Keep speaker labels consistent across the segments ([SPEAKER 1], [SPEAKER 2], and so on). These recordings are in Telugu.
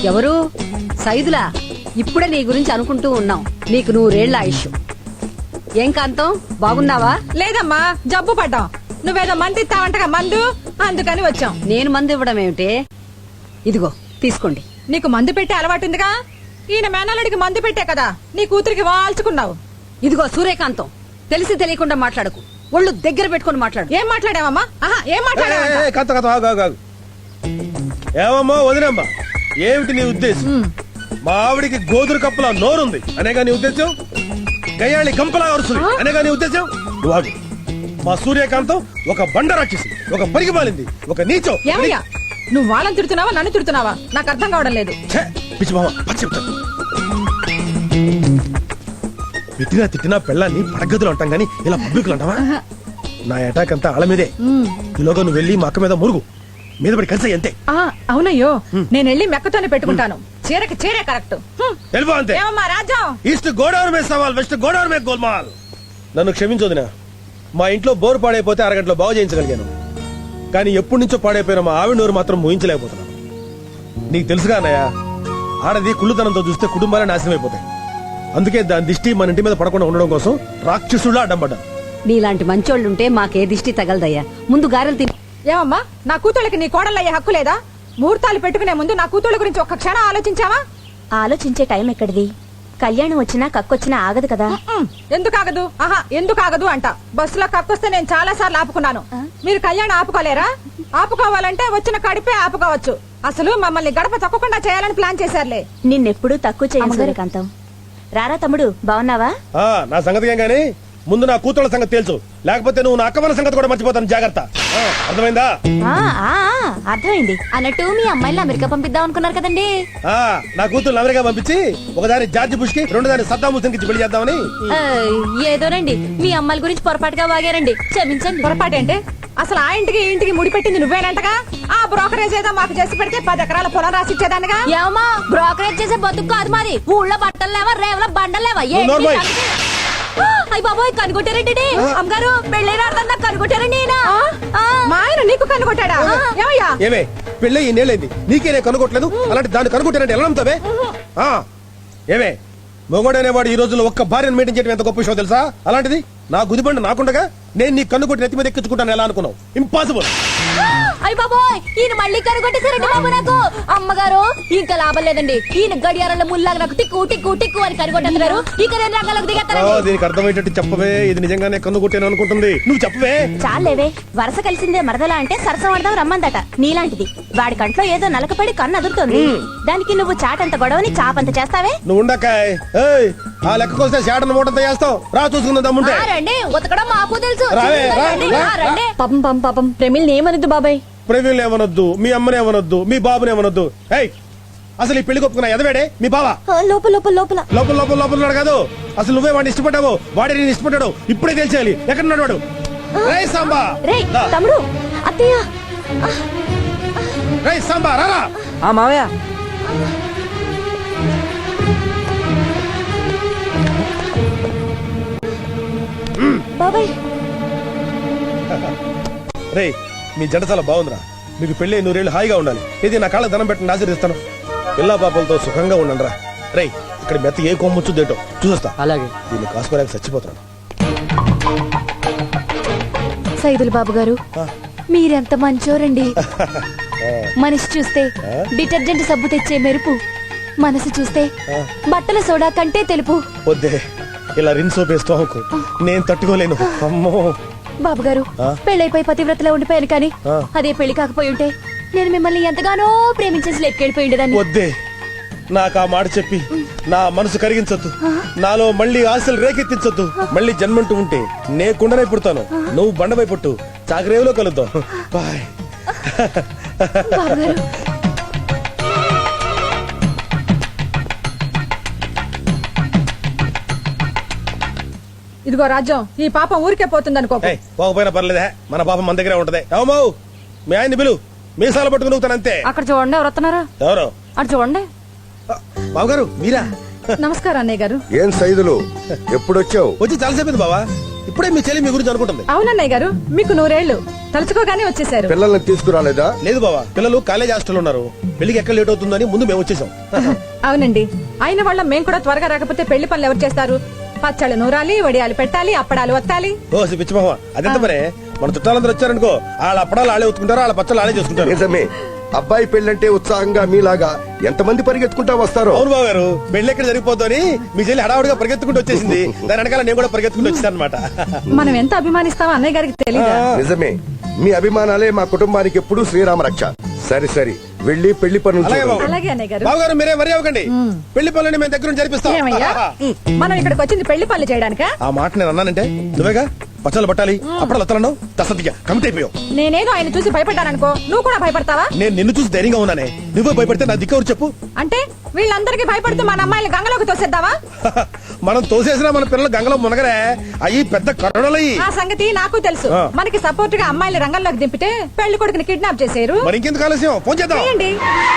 [SPEAKER 1] ఎవరు? సైదులా? ఇప్పుడే నీ గురించి అనుకుంటూ ఉన్నాం. నీకు 100 ఏళ్ల ఆయుష్. ఏం కాంతం, బాగున్నావా?
[SPEAKER 2] లేదమ్మా, జబ్బు పడ్డాం. నువ్వేదో మంది ఇస్తావంటగా మందు, అందుకని వచ్చాం.
[SPEAKER 1] నేను మందు ఇవ్వడం ఏమిటే? ఇదిగో తీసుకోండి.
[SPEAKER 2] నీకు మందు పెట్టే అలవాటుందిగా. ఈయన మేనల్లుడికి మందు పెట్టే కదా నీ కూతురికి వాల్చుకున్నావు.
[SPEAKER 1] ఇదిగో సూర్యకాంతం, తెలిసి తెలియకుండా మాట్లాడకు. ఒళ్ళు దగ్గర పెట్టుకుని మాట్లాడు.
[SPEAKER 2] ఏం మాట్లాడావమ్మా? ఏం మాట్లాడావా?
[SPEAKER 3] ఏమమ్మా వదినమ్మా, ఏమిటి నీ ఉద్దేశం? మా ఆవిడికి గోధుర కప్పులా నోరుంది అనేగా నీ ఉద్దేశం? గయ్యాళి గంపలా అరుస్తుంది అనేగా నీ ఉద్దేశం? నువ్వు మా సూర్యకాంతం ఒక బండ రాక్షసి, ఒక పరిగిమాలింది, ఒక నీచం.
[SPEAKER 2] ఏమయ్యా, నువ్వు వాళ్ళని తిడుతున్నావా నన్ను తిడుతున్నావా? నాకు అర్థం కావడం లేదు.
[SPEAKER 3] తిట్టినా తిట్టినా పెళ్ళాన్ని పడగదులు అంటాం గానీ ఇలా పబ్లిక్ అంటావా? నా అటాక్ అంతా ఆళ్ళ మీదే. ఈలోగా నువ్వు వెళ్ళి మా అక్క మీద మురుగు, మీద పడి కలిసి అంతే.
[SPEAKER 2] అవునయ్యో, నేను వెళ్ళి మెక్కతోనే పెట్టుకుంటాను. చీరకి చీరే కరెక్ట్.
[SPEAKER 3] అంతే.
[SPEAKER 2] రాజ్యం
[SPEAKER 3] ఈస్ట్ గోదావరి మీద సవాల్, వెస్ట్ గోదావరి మీద గోల్మాల్. నన్ను క్షమించొదినా, మా ఇంట్లో బోరు పాడైపోతే అరగంటలో బాగు చేయించగలిగాను. కానీ ఎప్పటి నుంచో పాడైపోయిన మా ఆవిడ నోరు మాత్రం మోయించలేకపోతున్నాను. నీకు తెలుసుగా అన్నయ్య, ఆడది కుళ్ళుతనంతో చూస్తే కుటుంబాలే నాశనం అయిపోతాయి. అందుకే దాని దిష్టి మన ఇంటి మీద పడకుండా ఉండడం కోసం రాక్షసులా అడ్డం పడ్డా.
[SPEAKER 1] నీలాంటి మంచోళ్ళుంటే మాకే దిష్టి తగలదయ్యా. ముందు గారెలు తిని.
[SPEAKER 2] ఏమమ్మా, నా కూతుళ్ళకి నీ కోడలయ్యే హక్కు లేదా? ముహూర్తాలు పెట్టుకునే ముందు నా కూతుళ్ళ గురించి ఒక్క క్షణం ఆలోచించావా?
[SPEAKER 4] ఆలోచించే టైం ఎక్కడిది? కళ్యాణం వచ్చినా కక్కొచ్చినా ఆగదు కదా.
[SPEAKER 2] ఎందుకు ఆగదు? ఎందుకు ఆగదు అంట. బస్సులో కక్కొస్తే నేను చాలా సార్లు ఆపుకున్నాను. మీరు కళ్యాణం ఆపుకోలేరా? ఆపుకోవాలంటే వచ్చిన కడిపే ఆపుకోవచ్చు. అసలు మమ్మల్ని గడప తొక్కకుండా చేయాలని ప్లాన్ చేశారులే.
[SPEAKER 4] నిన్నెప్పుడు తక్కువ చేయను కాంతం. రారా తమ్ముడు, బాగున్నావా?
[SPEAKER 3] నా సంగతి ఏం గానీ ముందు నా కూతుళ్ళ సంగతి తెలుసు, లేకపోతే నువ్వు నా అక్కవల సంగతి కూడా మర్చిపోతాను. జాగ్రత్త. అర్థమైందా?
[SPEAKER 4] అర్థమైంది. అన్నట్టు మీ అమ్మాయిని అమెరికా పంపిద్దాం అనుకున్నారు కదండి.
[SPEAKER 3] నా కూతురు అమెరికా పంపించి ఒకదాని జార్జి బుష్ కి, రెండోదాని సద్దాం హుస్సేన్ కి పెళ్లి చేద్దామని.
[SPEAKER 4] ఏదోనండి, మీ అమ్మాయిల గురించి పొరపాటుగా వాగారండి, క్షమించండి.
[SPEAKER 2] పొరపాటు అంటే అసలు ఆ ఇంటికి ఇంటికి ముడిపెట్టింది నువ్వేనంటగా. ఆ బ్రోకరేజ్ ఏదో మాకు చేసి పెడితే 10 ఎకరాల పొలం రాసి ఇచ్చేదానిగా.
[SPEAKER 4] ఏమా, బ్రోకరేజ్ చేసే బతుకు కాదు మాది. ఊళ్ళో బట్టలు లేవా, రేవల బండలు లేవా? అయ్య బాబోయ్, కనుగొట్టారండి అమ్మగారు. పెళ్ళైనా కనుగొట్టారండి.
[SPEAKER 2] మా ఆయన నీకు కనుగొట్టాడా?
[SPEAKER 3] ఏమే పెళ్ళి ఈ నేలైంది, నీకేనే కనుగొట్టలేదు. అలాంటి దాన్ని కనుగొట్టారంటే ఎలా నమ్ముతావే? ఏమే మొగోడు అనేవాడు ఈ రోజుల్లో ఒక్క భార్యను మెయింటైన్ చేయడం ఎంత గొప్ప విషయం తెలుసా? అలాంటిది నా గుదిబండ నాకుండగా నేను నీ కన్నుకొట్టి నెత్తి మీద ఎక్కించుకుంటాను ఎలా అనుకున్నావు? ఇంపాసిబుల్.
[SPEAKER 4] అయ్య బాబోయ్, ఈయన మళ్ళీ కనుగొట్టేశారండి బాబు నాకు. అమ్మగారు, ఇంకా లాభం లేదండి. ఈయన గడియారంలో ముల్లాగా నాకు టిక్కు టిక్కు టిక్కు అని కనుగొట్టేస్తున్నారు. ఇక నేను రంగంలోకి దిగేస్తాను.
[SPEAKER 3] దీనికి అర్థమయ్యేటట్టు చెప్పవే. ఇది నిజంగానే కన్నుకొట్టాను అనుకుంటుంది. నువ్వు చెప్పవే.
[SPEAKER 4] చాలేవే, వరస కలిసిందే మరదలా అంటే సరసం ఆడదాం రమ్మందట. నీలాంటిది వాడి కంట్లో ఏదో నలకపడి కన్ను అదురుతోంది. దానికి నువ్వు చాటంత గొడవని చాపంత చేస్తావే.
[SPEAKER 3] నువ్వు ఉండకాయ్. ఆ లెక్కకొస్తే చాటను మూటంత చేస్తావు. రా చూసుకుందాం దమ్ముంటే.
[SPEAKER 4] రండి, ఉతకడం మాకు తెలుసు.
[SPEAKER 2] పాపం పాపం పాపం, ప్రేమిల్ని ఏమనొద్దు బాబాయ్.
[SPEAKER 3] ప్రవీణ్ ఏమనొద్దు, మీ అమ్మని ఏమనొద్దు, మీ బాబుని ఏమనొద్దు. అసలు ఈ పెళ్లి కొప్పుకున్నా ఎదవేడే మీ బావ.
[SPEAKER 4] లోపల లోపల లోపల
[SPEAKER 3] లోపల లోపల లోపల ఉన్నాడు కాదు. అసలు నువ్వే వాడిని ఇష్టపడ్డావు, వాడే నేను ఇష్టపడ్డాడు. ఇప్పుడే తెలిసేయాలి ఎక్కడ ఉన్నాడు వాడు. రేయ్ సాంబా,
[SPEAKER 4] తమ్ముడు, అత్తయ్య.
[SPEAKER 3] రేయ్ సాంబా, రారా.
[SPEAKER 2] మావయ్య,
[SPEAKER 4] బాబాయ్.
[SPEAKER 3] రే, మీ జంట చాలా బాగుందిరా. మీకు పెళ్లి 100 ఏళ్ళు హాయిగా ఉండాలి. ఇది నా కాళ్ళ దండం పెట్టిన ఆశీర్దిస్తాను. పిల్లా పాపలతో సుఖంగా ఉండండి రా. రే, ఇక్కడ మెత్త ఏ కొమ్ముచ్చుదేటో చూస్తా. అలాగే. దీన్ని కాసుకోలేక చచ్చిపోతున్నాను.
[SPEAKER 4] సైదుల్ బాబు గారు, మీరెంత మంచోరండి. మనిషి చూస్తే డిటర్జెంట్ సబ్బు తెచ్చే మెరుపు, మనసు చూస్తే బట్టల సోడా కంటే తెలుపు.
[SPEAKER 3] వద్దే, ఇలా రిన్ సోప్ వేస్తూ నేను తట్టుకోలేను. అమ్మో
[SPEAKER 4] బాబు గారు, పెళ్ళైపోయి పతివ్రతలో ఉండిపోయాను. కానీ అదే పెళ్లి కాకపోయి ఉంటే నేను మిమ్మల్ని ఎంతగానో ప్రేమించేసి లెక్కెళ్ళిపోయి ఉండేదాన్ని.
[SPEAKER 3] వద్దే, నాకు ఆ మాట చెప్పి నా మనసు కరిగించొద్దు. నాలో మళ్ళీ ఆశలు రేకెత్తించొద్దు. మళ్ళీ జన్మంటూ ఉంటే నే కుండనై పుడతాను, నువ్వు బండపై పుట్టు. చాకరేవులో కలుద్దాం. బాయ్.
[SPEAKER 2] ఇదిగో రాజ్యం, ఈ పాపం ఊరికే పోతుంది అనుకో.
[SPEAKER 3] పోకపోయినా పర్లేదే, మన పాపం మన దగ్గరే ఉంటది. ఏమో మీ ఆయన్ని పిలు, మీసాలు పట్టుకుని అంతే.
[SPEAKER 2] అక్కడ చూడండి, ఎవరు వస్తున్నారా?
[SPEAKER 3] ఎవరు?
[SPEAKER 2] అటు చూడండి.
[SPEAKER 3] బావగారు మీరా?
[SPEAKER 2] నమస్కారం అన్నయ్య గారు.
[SPEAKER 5] ఏం సైదులు, ఎప్పుడొచ్చావు?
[SPEAKER 3] వచ్చి చాలాసేపు బావా. ఇప్పుడే మీ చెల్లి మీ గురించి అనుకుంటుంది.
[SPEAKER 2] అవునన్నయ్య గారు, మీకు 100 ఏళ్ళు తలుచుకోగానే వచ్చేసారు.
[SPEAKER 5] పిల్లల్ని తీసుకురాలేదా?
[SPEAKER 3] లేదు బావా, పిల్లలు కాలేజ్ హాస్టల్ ఉన్నారు. పెళ్లికి ఎక్కడ లేట్ అవుతుందని ముందు మేము వచ్చేసాం.
[SPEAKER 2] అవునండి, అయిన వాళ్ళ మేము కూడా త్వరగా రాకపోతే పెళ్లి పనులు ఎవరు చేస్తారు? పచ్చళ్ళు నూరాలి, వడియాలు పెట్టాలి, అప్పడాలు వత్తాలి.
[SPEAKER 3] ఓ పిచ్చి మామ, అదెంత పనే. మన చుట్టాలందరూ వచ్చారనుకో, వాళ్ళ అప్పడాలు ఆడే ఉతుకుంటారు, వాళ్ళ పచ్చళ్ళు ఆడే చేసుకుంటారు.
[SPEAKER 5] నిజమే. అబ్బాయి పెళ్ళంటే ఉత్సాహంగా మీలాగా ఎంతమంది పరిగెత్తుకుంటా వస్తారో.
[SPEAKER 3] అవును బావ గారు, పెళ్లి ఎక్కడ జరిగిపోతుందని మీ చెల్లి హడావుడిగా పరిగెత్తుకుంటూ వచ్చేసింది. దాని వెనకాల నేను కూడా పరిగెత్తుకుంటూ వచ్చాను అనమాట.
[SPEAKER 2] మనం ఎంత అభిమానిస్తామో అన్నయ్య గారికి తెలియదా?
[SPEAKER 5] నిజమే, మీ అభిమానాలే మా కుటుంబానికి ఎప్పుడూ శ్రీరామ రక్ష. సరే సరే, వెళ్ళి పెళ్లి పనులు
[SPEAKER 3] అలాగే
[SPEAKER 5] చూడండి.
[SPEAKER 3] బాబు.
[SPEAKER 2] అలాగే అన్నయ్య గారు.
[SPEAKER 3] బావ గారు మీరే వరి అవ్వకండి, పెళ్లి పనులని మేము దగ్గర జరిపిస్తాం.
[SPEAKER 2] ఏమయ్యా, మనం ఇక్కడికి వచ్చింది పెళ్లి పనులు చేయడానికా?
[SPEAKER 3] ఆ మాట నేను అన్నానంటే నువ్వేగా పచ్చళ్ళు పట్టాలి, అప్పుడు లత్తలన్నావు, తసతిగా కమిట్ అయిపోయావు.
[SPEAKER 2] నేనేదో ఆయన చూసి భయపడ్డాననుకో, నువ్వు కూడా భయపడతావా?
[SPEAKER 3] నేను నిన్ను చూసి ధైర్యంగా ఉన్నానే, నువ్వే భయపడితే నా దిక్కెవరు చెప్పు.
[SPEAKER 2] అంటే వీళ్ళందరికీ భయపడుతూ మన అమ్మాయిలు గంగలోకి తోసేద్దామా?
[SPEAKER 3] మనం తోసేసినా మన పిల్లలు గంగలో మునగరే, అయ్యి పెద్ద కరుణలయ్యి.
[SPEAKER 2] ఆ సంగతి నాకు తెలుసు.
[SPEAKER 3] ఆ.
[SPEAKER 2] మనకి సపోర్ట్ గా అమ్మాయిలు రంగంలోకి దింపితే పెళ్లి కొడుకుని కిడ్నాప్ చేశారు.
[SPEAKER 3] మరి ఇంకెందుకు ఆలస్యం, ఫోన్ చేద్దాం.
[SPEAKER 2] చేయండి.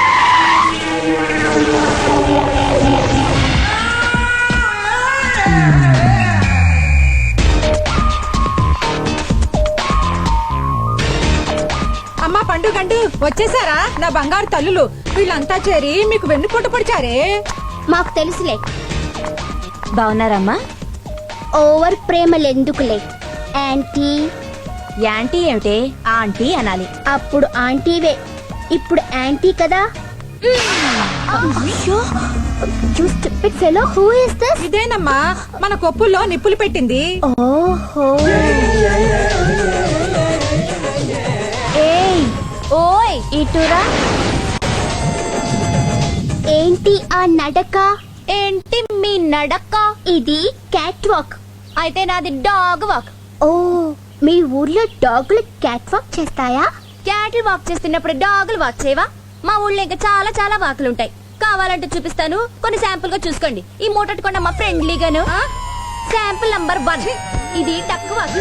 [SPEAKER 2] అమ్మా పండుగంటూ వచ్చేసారా నా బంగారు తల్లులు? వీళ్ళంతా చేరి మీకు వెన్నుపోటు పొడిచారే.
[SPEAKER 6] మాకు తెలుసులే,
[SPEAKER 4] బాగున్నారమ్మా?
[SPEAKER 6] ఓవర్ ప్రేమలెందుకులే యాంటీ.
[SPEAKER 4] యాంటీ ఏమిటే, ఆంటీ అనాలి.
[SPEAKER 6] అప్పుడు ఆంటీవే, ఇప్పుడు యాంటీ కదా. You stupid fellow, who is this?
[SPEAKER 2] ఇదేనమ్మా మన కొప్పుల్లో నిప్పులు పెట్టింది.
[SPEAKER 6] ఓహో,
[SPEAKER 4] ఏయ్ ఓయ్
[SPEAKER 6] ఇటురా. ఏంటి ఆ నడక?
[SPEAKER 4] ఏంటి మీ నడక?
[SPEAKER 6] ఇది క్యాట్ వాక్.
[SPEAKER 4] అయితే నాది డాగ్ వాక్.
[SPEAKER 6] ఓ, మీ ఊర్లో డాగులు క్యాట్ వాక్ చేస్తాయా?
[SPEAKER 4] క్యాటిల్ వాక్ చేస్తున్నప్పుడు డాగులు వాక్ చేయవా? మా ఊళ్ళో ఇంకా చాలా చాలా వాకులు ఉంటాయి. కావాలంటే చూపిస్తాను, కొన్ని శాంపుల్ గా చూసుకోండి. ఈ మూటట్టుకోండి అమ్మా, ఫ్రెండ్లీగాను. శాంపుల్ నంబర్ 1, ఇది డక్ వాక్.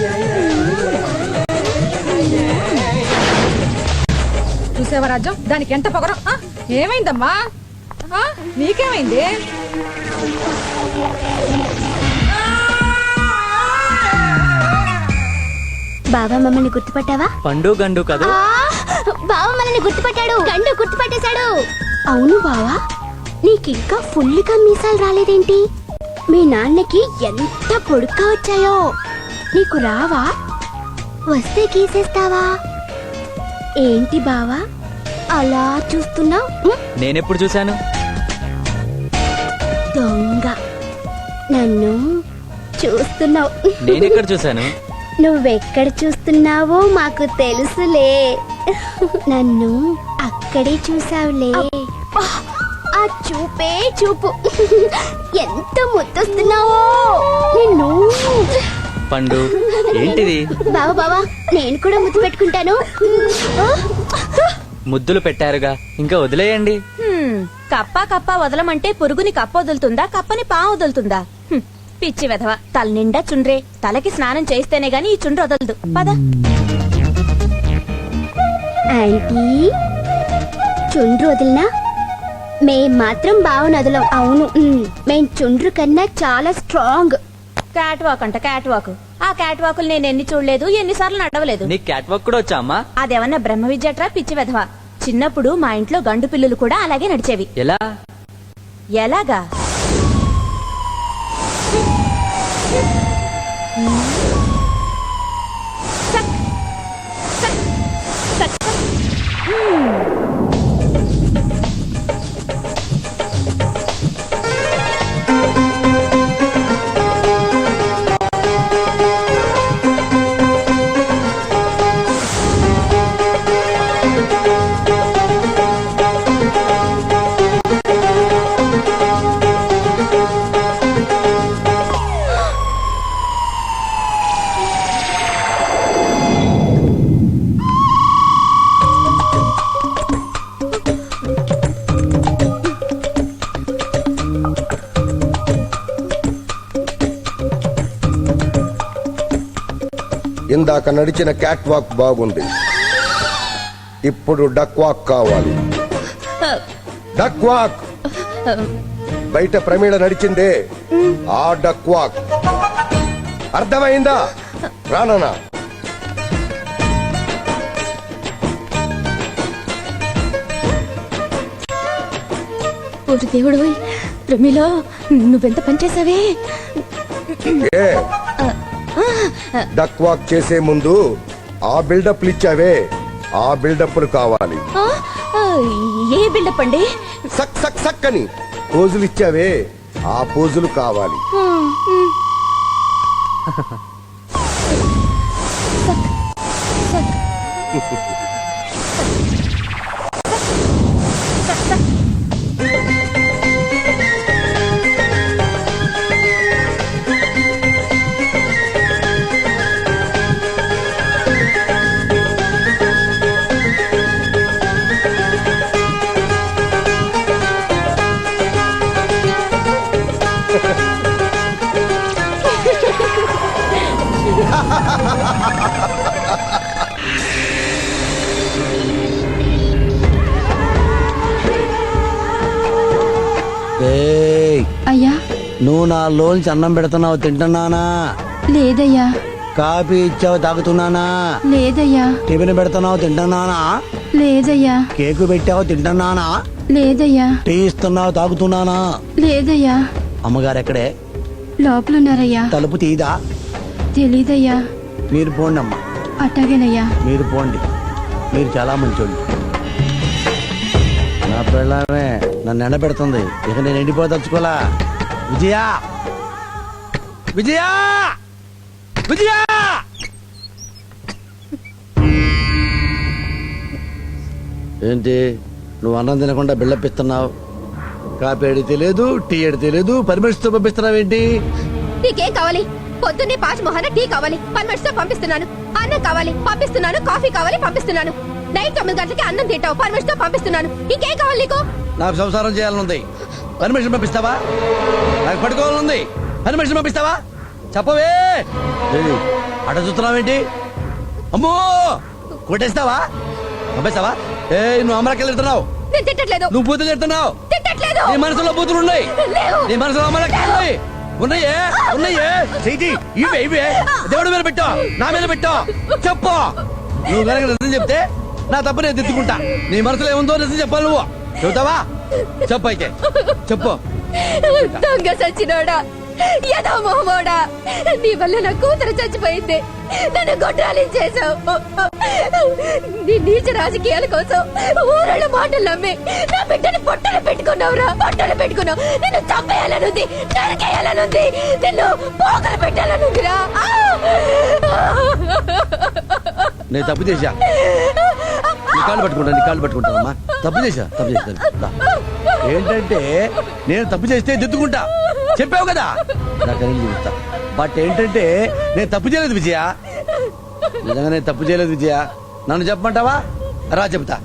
[SPEAKER 2] చూసేవా రాజ్యం, దానికి ఎంత పొగరం. ఏమైందమ్మా? నీకేమైంది?
[SPEAKER 6] బాబా మమ్మల్ని గుర్తుపట్టావా?
[SPEAKER 7] పండు గండు కదా.
[SPEAKER 6] బావ మనల్ని గుర్తుపట్టాడు, గండు గుర్తుపట్టేశాడు. అవును బావా, నీకింకా ఫుల్గా మీసాలు రాలేదేంటి? మీ నాన్నకి ఎంత పొడుగ్గా వచ్చాయో. నీకు రావా? వస్తే గీసేస్తావా? ఏంటి బావా అలా చూస్తున్నావు?
[SPEAKER 7] నేనెప్పుడు చూశాను?
[SPEAKER 6] దొంగ, నన్ను చూస్తున్నావు.
[SPEAKER 7] నేనెక్కడ చూశాను?
[SPEAKER 6] నువ్వెక్కడ చూస్తున్నావో మాకు తెలుసులే. నన్ను అక్కడే చూసావులే. ఆ చూపే చూపు, ఎంత ముద్దొస్తున్నావో నిన్ను.
[SPEAKER 7] పండు ఏంటిది?
[SPEAKER 6] బావా బావా, నేను కూడా ముద్దు పెట్టుకుంటాను.
[SPEAKER 7] ముద్దులు పెట్టారుగా, ఇంకా వదిలేయండి.
[SPEAKER 4] కప్ప కప్ప వదలమంటే పురుగుని కప్ప వదులుతుందా, కప్పని పా వదులుతుందా? పిచ్చి వెధవ, తల నిండా చుండ్రే. తలకి స్నానం చేస్తేనే గాని ఈ చుండ్రు వదలదు. పద.
[SPEAKER 6] ఆంటీ, చుండ్రు వదిలినా మేం మాత్రం బావను వదలం. అవును, మేం చుండ్రు కన్నా చాలా స్ట్రాంగ్.
[SPEAKER 4] క్యాట్ వాక్ అంట, క్యాట్ వాక్. ఆ క్యాట్ వాకులు నేను ఎన్ని చూడలేదు, ఎన్నిసార్లు నడవలేదు.
[SPEAKER 7] నీకు క్యాట్ వాక్ కూడా వచ్చా అమ్మా?
[SPEAKER 4] అదేమన్నా బ్రహ్మ విద్యట్రా పిచ్చి వెధవ. చిన్నప్పుడు మా ఇంట్లో గండు పిల్లులు కూడా అలాగే నడిచేవి.
[SPEAKER 7] ఎలా?
[SPEAKER 4] ఎలాగా? చక్, చక్, చక్, చక్.
[SPEAKER 5] ఇందాక నడిచిన క్యాట్ వాక్ బాగుంది, ఇప్పుడు డక్ వాక్ కావాలి. Duck walk. బయట ప్రమీళ నడిచిందే ఆ డక్ వాక్. అర్థమైందా? రానా
[SPEAKER 4] ఓరి దేవుడు ప్రమిలో నువ్వెంత పనిచేసావే
[SPEAKER 5] ఏ డక్ వాక్ చేసే ముందు ఆ బిల్డప్లు ఇచ్చావే, ఆ బిల్డప్లు కావాలి.
[SPEAKER 4] ఏ బిల్డప్ అండి?
[SPEAKER 5] సక్ సక్ సక్ అని పోజులు ఇచ్చావే, ఆ పోజులు కావాలి.
[SPEAKER 8] ఏయ్,
[SPEAKER 6] అయ్యా
[SPEAKER 8] నువ్వు నా లోంచి అన్నం పెడుతున్నావు తింటున్నానా?
[SPEAKER 6] లేదయ్యా
[SPEAKER 8] కాఫీ ఇచ్చావు తాగుతున్నానా?
[SPEAKER 6] లేదయ్యా
[SPEAKER 8] టిఫిన్ పెడుతున్నావు తింటున్నానా?
[SPEAKER 6] లేదయ్యా
[SPEAKER 8] కేకు పెట్టావు తింటున్నానా?
[SPEAKER 6] లేదయ్యా
[SPEAKER 8] టీ ఇస్తున్నావు తాగుతున్నానా?
[SPEAKER 6] లేదయ్యా
[SPEAKER 8] అమ్మగారు ఎక్కడే?
[SPEAKER 6] లోపలున్నారయ్యా.
[SPEAKER 8] తలుపు తీదా?
[SPEAKER 6] తెలీదయ్యా.
[SPEAKER 8] మీరు పోండి అమ్మా,
[SPEAKER 6] అట్టాగేనయ్యా.
[SPEAKER 8] మీరు పోండి. మీరు చాలా మంచోళ్ళు. నా పిల్లమే నన్ను ఎండబెడుతుంది, ఇక నేను ఎండిపోదలుచుకోలా. విజయా, విజయా, విజయా! ఏంటి నువ్వు అన్నం తినకుండా బిల్డప్ ఇస్తున్నావు? కాఫీ అడిగితే లేదు, టీ అడిగితే లేదు, పర్మిషన్తో పంపిస్తున్నావేంటి?
[SPEAKER 4] నీకేం కావాలి? పొద్దున్నే పాచి మొహన టీ కావాలి, పర్మిట్స్ తో పంపిస్తున్నాను. అన్నం కావాలి, పంపిస్తున్నాను. కాఫీ కావాలి, పంపిస్తున్నాను. నైట్ 9 గంటలకి అన్నం తింటావు, పర్మిట్స్ తో పంపిస్తున్నాను. ఇంకేం కావాలి నీకు?
[SPEAKER 8] నాకు సంసారం చేయాలనుంది, పర్మిషన్ పంపిస్తావా? నాకు పడుకోవాలనుంది, పర్మిషన్ పంపిస్తావా? చెప్పవే. ఏయ్, అట చూస్తున్నావేంటి? అమ్మో, కొట్టేస్తావా? పంపిస్తావా? ఏ నువ్వు అమరకెళ్ళి వెళ్తున్నావు,
[SPEAKER 4] నేను తిట్టట్లేదు.
[SPEAKER 8] నువ్వు బూతులు వెళ్తున్నావు.
[SPEAKER 4] తిట్టట్లేదు.
[SPEAKER 8] నీ మనసులో బూతులు ఉన్నాయి,
[SPEAKER 4] లేవు.
[SPEAKER 8] నీ మనసులో అమరకెళ్ళి ఉన్నాయే, ఉన్నాయే. చెయ్యి ఇవే ఇవే దేవుడి మీద పెట్టా, నా మీద పెట్టా. చెప్పు, నువ్వు కనుక నిజం చెప్తే నా తప్పు నేను దిద్దుకుంటా. నీ మనసులో ఏముందో నిజం చెప్పాలి. నువ్వు చెబుతావా? చెప్పు అయితే, చెప్పు.
[SPEAKER 4] దొంగ సచ్చినోడా, యదో మొహమోడా, నీ వల్ల నా కూతురు చచ్చిపోయింది. నన్ను గొడ్రాలించేశావు. నీ నీచ రాజకీయాల కోసం ఊరళ్ళ మాటలు నమ్మి నా బిడ్డని పొట్టలు పెట్టుకున్నావురా, పొట్టలు పెట్టుకున్నావు. నిన్ను చంపేయాలనుంది, నరికేయాలనుంది, నిన్ను పోగలు పెట్టాలనుందిరా.
[SPEAKER 8] నేను తప్పు చేశా, నీ కాళ్ళు పట్టుకుంటా, నీ కాళ్ళు పట్టుకుంటానమ్మా. తప్పు చేశా, తప్పు చేశా. ఏంటంటే నేను తప్పు చేస్తే దిద్దుకుంటా, చెప్పావు కదా, నాకని చూస్తా. బట్ ఏంటంటే నేను తప్పు చేయలేదు విజయ, నిజంగా నేను తప్పు చేయలేదు విజయ. నన్ను చెప్పమంటావా? రా చెప్తా.